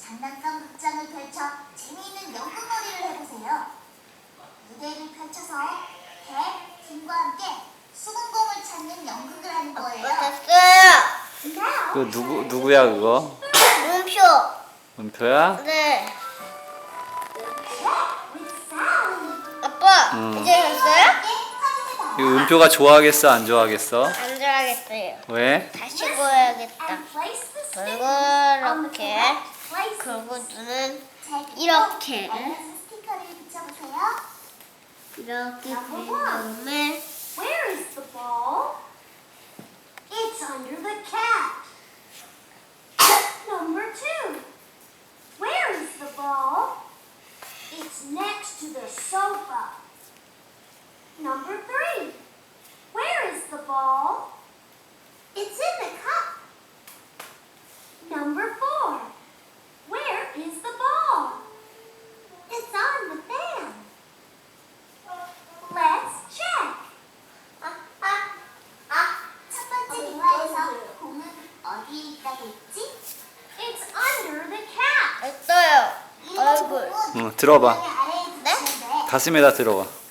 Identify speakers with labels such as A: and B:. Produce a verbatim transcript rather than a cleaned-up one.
A: 장난감 극장을 펼쳐 재미있는 연극놀이를 해보세요. 무대를 펼쳐서 개, 김과 함께 수분공을 찾는 연극을 하는 거예요.
B: 됐어요.
C: 그 누구 누구야 그거?
B: 문표.
C: 은표야?
B: 네. 아빠,
C: 음.
B: 이제 됐어요?
C: 이 은표가 좋아하겠어 안 좋아하겠어?
B: 안 좋아하겠어요.
C: 왜?
B: 다시 보여야겠다. 이렇게. 그리고 눈은 이렇게.
A: 스티커를 붙여보세요.
B: 이렇게 된 다음에
A: Where is the ball? It's under the cat. Number two. Where is the ball? It's next to the sofa. Number three. Where is the ball? It's in the cup. Number four. Where is the ball? It's on the fan. Let's check. 아, 아, 아. 첫 번째 대화에서 공은 어디에 있다고 했지? It's under the cat.
B: 됐어요.
A: 이
B: 얼굴.
A: 공은
C: 응, 들어봐.
A: 아래에
B: 네?
A: 붙이면 돼.
C: 가슴에다 들어봐.